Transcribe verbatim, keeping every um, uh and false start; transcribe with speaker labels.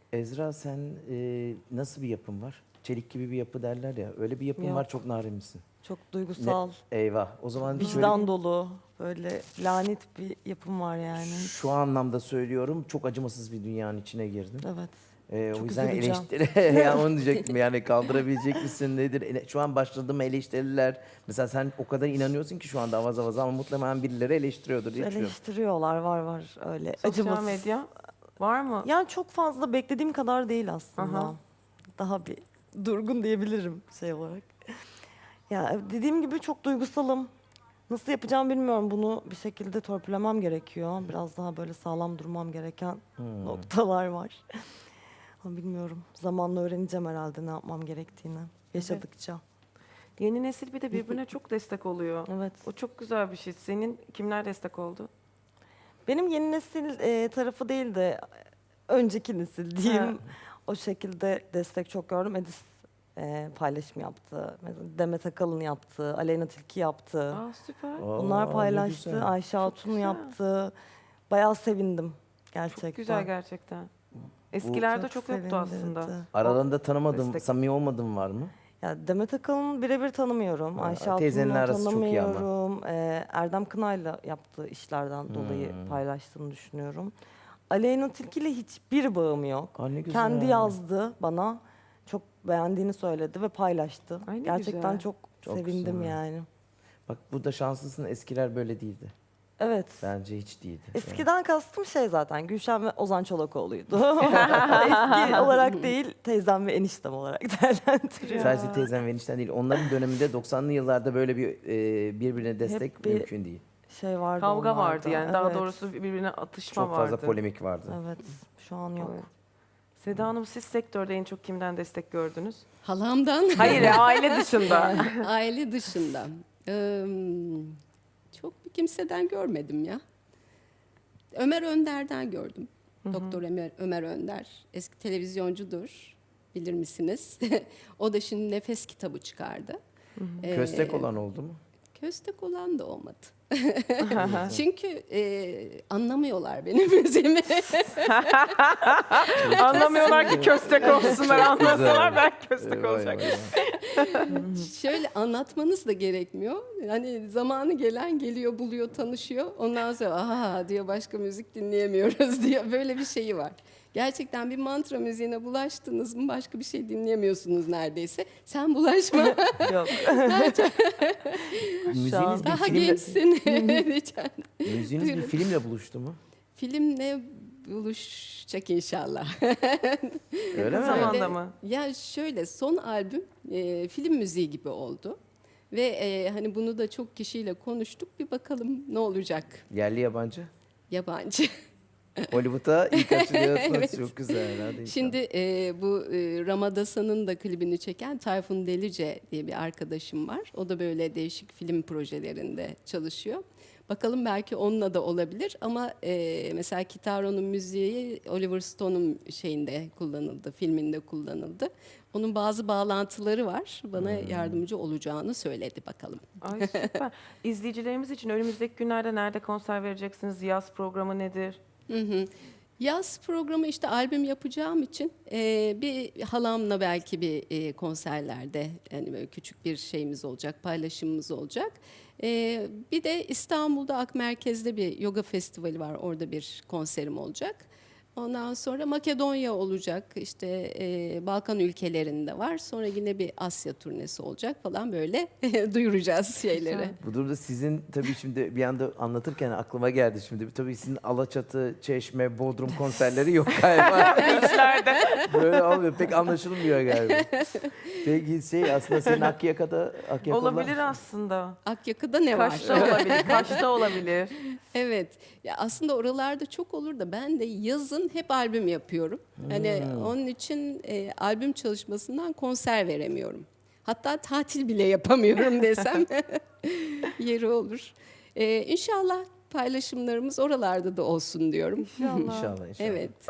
Speaker 1: Ezra sen e, nasıl bir yapın var? Çelik gibi bir yapı derler ya. Öyle bir yapın
Speaker 2: Yok.
Speaker 1: var, çok narin misin?
Speaker 2: Çok
Speaker 1: Ne?
Speaker 2: duygusal,
Speaker 1: Eyvah. O zaman şöyle
Speaker 2: vicdan dolu, böyle lanet bir yapım var yani.
Speaker 1: şu anlamda söylüyorum. Çok acımasız bir dünyanın içine girdin.
Speaker 2: Evet.
Speaker 1: Ee, o
Speaker 2: Çok
Speaker 1: yüzden
Speaker 2: üzüleceğim.
Speaker 1: eleştiri, ya onu diyecektim yani kaldırabilecek misin nedir? Ele- Şu an başladığım eleştiriler, mesela sen o kadar inanıyorsun ki şu anda avaz avaz ama muhtemelen birileri eleştiriyordur diye düşünüyorum.
Speaker 2: Eleştiriyorlar, var var öyle.
Speaker 3: Sosyal
Speaker 2: Acımasız.
Speaker 3: medya var mı?
Speaker 2: Yani çok fazla beklediğim kadar değil aslında.
Speaker 3: Aha.
Speaker 2: Daha bir durgun diyebilirim şey olarak. Ya dediğim gibi çok duygusalım. Nasıl yapacağım bilmiyorum. Bunu bir şekilde törpülemem gerekiyor. Biraz daha böyle sağlam durmam gereken
Speaker 1: Hmm.
Speaker 2: noktalar var. Ama bilmiyorum. Zamanla öğreneceğim herhalde ne yapmam gerektiğini. Yaşadıkça.
Speaker 3: Yeni nesil bir de birbirine çok destek oluyor.
Speaker 2: Evet.
Speaker 3: O çok güzel bir şey. Senin kimler destek oldu?
Speaker 2: Benim yeni nesil e, tarafı değil de önceki nesil diyeyim.
Speaker 3: Ha.
Speaker 2: O şekilde destek çok gördüm. Edis e, paylaşım yaptı. Mesela Demet Akalın yaptı. Aleyna Tilki yaptı.
Speaker 3: Aa süper.
Speaker 1: Aa,
Speaker 2: Bunlar
Speaker 1: ne
Speaker 2: paylaştı.
Speaker 1: güzel.
Speaker 2: Ayşe Hatun
Speaker 3: güzel.
Speaker 2: yaptı. Bayağı sevindim gerçekten.
Speaker 3: Çok güzel gerçekten. Eskilerde çok, yoktu aslında.
Speaker 2: sevindirdi.
Speaker 1: Aralarında tanımadığım,
Speaker 3: Destek.
Speaker 1: samimi olmadığım var mı?
Speaker 2: Ya Demet Akalın birebir tanımıyorum.
Speaker 1: Ha,
Speaker 2: Ayşe Hatun'u
Speaker 1: teyzenin arası çok iyi ama.
Speaker 2: tanımıyorum. Ee, Erdem Kınay'la yaptığı işlerden dolayı
Speaker 1: Hmm.
Speaker 2: paylaştığını düşünüyorum. Aleyna Tilki ile hiçbir bağım yok.
Speaker 1: Aa, ne güzel.
Speaker 2: Kendi yazdı bana. Çok beğendiğini söyledi ve paylaştı.
Speaker 3: Ay ne
Speaker 2: Gerçekten
Speaker 3: güzel.
Speaker 2: çok,
Speaker 1: Çok
Speaker 2: sevindim
Speaker 1: güzel.
Speaker 2: yani.
Speaker 1: Bak burada şanslısın, eskiler böyle değildi.
Speaker 2: Evet.
Speaker 1: Bence hiç değildi.
Speaker 2: Eskiden kastım şey zaten Gülşen ve Ozan Çolakoğlu'ydu. Eski olarak değil, teyzem ve eniştem olarak değerlendiriyorum.
Speaker 1: Sadece teyzem ve enişten değil. Onların döneminde doksanlı yıllarda böyle bir e, birbirine destek
Speaker 2: Hep bir
Speaker 1: mümkün değil.
Speaker 2: Şey vardı
Speaker 3: Kavga
Speaker 2: onlarda.
Speaker 3: vardı yani. Daha
Speaker 2: Evet.
Speaker 3: doğrusu birbirine atışma
Speaker 1: Çok fazla
Speaker 3: vardı.
Speaker 1: polemik vardı.
Speaker 2: Evet, şu an yok.
Speaker 3: Evet. Seda Hanım, siz sektörde en çok kimden destek gördünüz?
Speaker 4: Halamdan.
Speaker 3: Hayır, aile dışında.
Speaker 4: Aile dışında. Ee, çok bir kimseden görmedim ya. Ömer Önder'den gördüm. Doktor Ömer, Ömer Önder. Eski televizyoncudur. Bilir misiniz? O da şimdi Nefes kitabı çıkardı. Ee,
Speaker 1: Köstek olan oldu mu?
Speaker 4: Köstek olan da olmadı. Çünkü e, anlamıyorlar benim müziğimi.
Speaker 3: Anlamıyorlar ki köstek olsunlar. Anlasalar ben köstek
Speaker 1: Vay
Speaker 3: olacak.
Speaker 1: vay vay.
Speaker 4: Şöyle anlatmanız da gerekmiyor. Hani zamanı gelen geliyor, buluyor, tanışıyor. Ondan sonra aha diyor başka müzik dinleyemiyoruz diyor. Böyle bir şeyi var. Gerçekten bir mantra müziğine bulaştınız mı başka bir şey dinleyemiyorsunuz neredeyse. Sen bulaşma.
Speaker 2: Yok.
Speaker 1: Müziğiniz bir
Speaker 4: Daha
Speaker 1: filmle,
Speaker 4: gençsin. diyeceğim.
Speaker 1: müziğiniz bir
Speaker 4: Buyurun.
Speaker 1: filmle buluştu mu?
Speaker 4: Filmle buluşacak inşallah.
Speaker 1: Öyle
Speaker 3: Ne
Speaker 1: mi?
Speaker 3: zaman?
Speaker 4: Öyle-
Speaker 3: Zamanda mı?
Speaker 4: Ya şöyle son albüm e, film müziği gibi oldu. Ve e, hani bunu da çok kişiyle konuştuk. Bir bakalım ne olacak.
Speaker 1: Yerli yabancı.
Speaker 4: Yabancı.
Speaker 1: Hollywood'a ilk açılıyorsunuz.
Speaker 4: Evet.
Speaker 1: Çok güzel. Hadi inşallah.
Speaker 4: Şimdi e, bu e, Ramadasan'ın da klibini çeken Tayfun Delice diye bir arkadaşım var. O da böyle değişik film projelerinde çalışıyor. Bakalım belki onunla da olabilir ama e, mesela Kitaro'nun müziği Oliver Stone'un şeyinde kullanıldı, filminde kullanıldı. Onun bazı bağlantıları var. Bana yardımcı olacağını söyledi bakalım.
Speaker 3: Ay süper. İzleyicilerimiz için önümüzdeki günlerde nerede konser vereceksiniz? Yaz programı nedir?
Speaker 4: Hı hı. Yaz programı işte albüm yapacağım için e, bir halamla belki bir e, konserlerde yani böyle küçük bir şeyimiz olacak, paylaşımımız olacak. E, bir de İstanbul'da Ak Merkez'de bir yoga festivali var, orada bir konserim olacak. Ondan sonra Makedonya olacak, işte e, Balkan ülkelerinde var. Sonra yine bir Asya turnesi olacak falan böyle duyuracağız şeyleri.
Speaker 1: Bu durumda sizin tabii şimdi bir anda anlatırken aklıma geldi şimdi. Tabii sizin Alaçatı, Çeşme, Bodrum konserleri yok galiba.
Speaker 3: İçlerde.
Speaker 1: Böyle olmuyor. Pek anlaşılmıyor galiba. Peki şey aslında senin Akyaka'da Akyaka'da
Speaker 3: Olabilir aslında.
Speaker 4: Akyaka'da ne var?
Speaker 3: Kaş'ta olabilir. Kaş'ta olabilir.
Speaker 4: Evet. Ya aslında oralarda çok olur da ben de yazın hep albüm yapıyorum. Hani onun için e, albüm çalışmasından konser veremiyorum. Hatta tatil bile yapamıyorum desem yeri olur. E, İnşallah paylaşımlarımız oralarda da olsun diyorum.
Speaker 3: İnşallah.
Speaker 1: İnşallah inşallah.
Speaker 4: Evet.